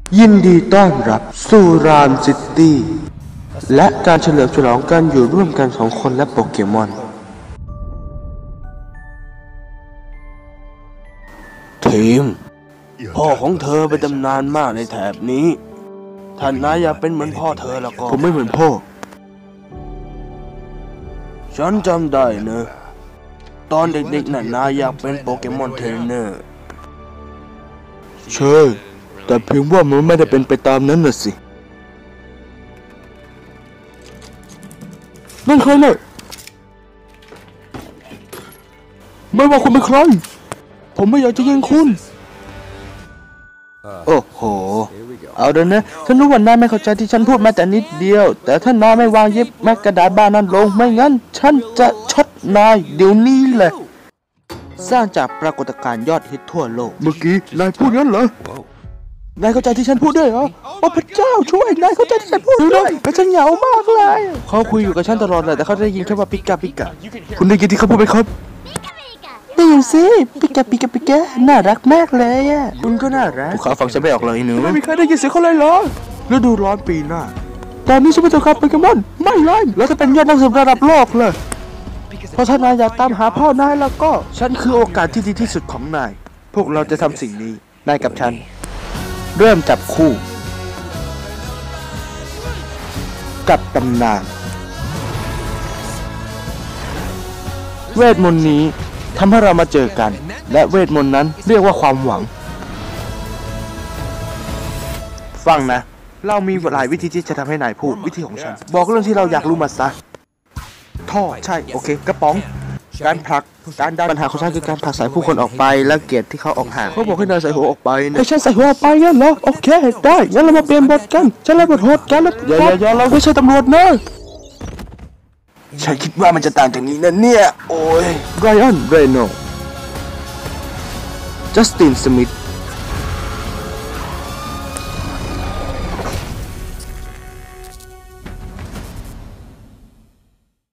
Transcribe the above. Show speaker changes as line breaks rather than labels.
ยินดีต้อนรับสู่รามซิตี้และการเฉลิมฉลองการอยู่ร่วมกันของคนและโปเกมอนทีมพ่อของเธอเป็นตำนานมากในแถบนี้ท่านนายอยากเป็นเหมือนพ่อเธอแล้วก็ผมไม่เหมือนพ่อฉันจำได้นะตอนเด็กๆน่ะนายอยากเป็นโปเกมอนเทรนเนอร์ใช่แต่เพียงว่ามันไม่ได้เป็นไปตามนั้นน่ะสินั่นใครเนี่ยไม่ว่าคุณเป็นใครผมไม่อยากจะยิงคุณโอ้โหเอาเดี๋ยวนะฉันรู้ว่านายไม่เข้าใจที่ฉันพูดมาแต่นิดเดียวแต่ถ้านายไม่วางเย็บแม้กระดาษบ้านนั้นลงไม่งั้นฉันจะช็อตนายเดี๋ยวนี้แหละสร้างจากปรากฏการณ์ยอดฮิตทั่วโลกเมื่อกี้นายพูดงั้นเหรอนายเข้าใจที่ฉันพูดด้วยเหรอโอ้พระเจ้าช่วยนายเข้าใจที่ฉันพูดด้วยแต่ฉันเหงามากเลยเขาคุยอยู่กับฉันตลอดเลยแต่เขาได้ยินแค่ว่าปิกาปิกาคุณได้ยินที่เขาพูดไหมครับได้ยินสิปิกาปิกาปิกาน่ารักมากเลยอ่ะคุณก็น่ารักพวกเขาฟังฉันไม่ออกเลยหนูไม่มีใครได้ยินเสียงเขาเลยเหรอฤดูร้อนปีหน้าตอนนี้ฉันเป็นตัวขับโปเกมอนไม่เลยแล้วจะเป็นยอดนักสืบระดับโลกเลยเพราะถ้านายอยากตามหาพ่อนายแล้วก็ฉันคือโอกาสที่ดีที่สุดของนายพวกเราจะทำสิ่งนี้นายกับฉันเริ่มจับคู่กับตำนานเวทมนต์นี้ทำให้เรามาเจอกันและเวทมนต์นั้นเรียกว่าความหวังฟังนะเรามีหลายวิธีที่จะทำให้นายพูดวิธีของฉันบอกเรื่องที่เราอยากรู้มาซะท่อใช่โอเคกระป๋องการผลักการดันปัญหาของฉันคือการผลักสายผู้คนออกไปและเกียรติที่เขาออกห่างเขาบอกให้นายใส่หัวออกไปนะให้ฉันใส่หัวออกไปงั้นเหรอโอเคได้งั้นเรามาเปลี่ยนบทกันฉันเล่นบทโหดกันแล้วอย่าเราไม่ใช่ตำรวจนะฉันคิดว่ามันจะต่างจากนี้นะเนี่ยโอ้ยไรอันเรโนจัสตินสมิธ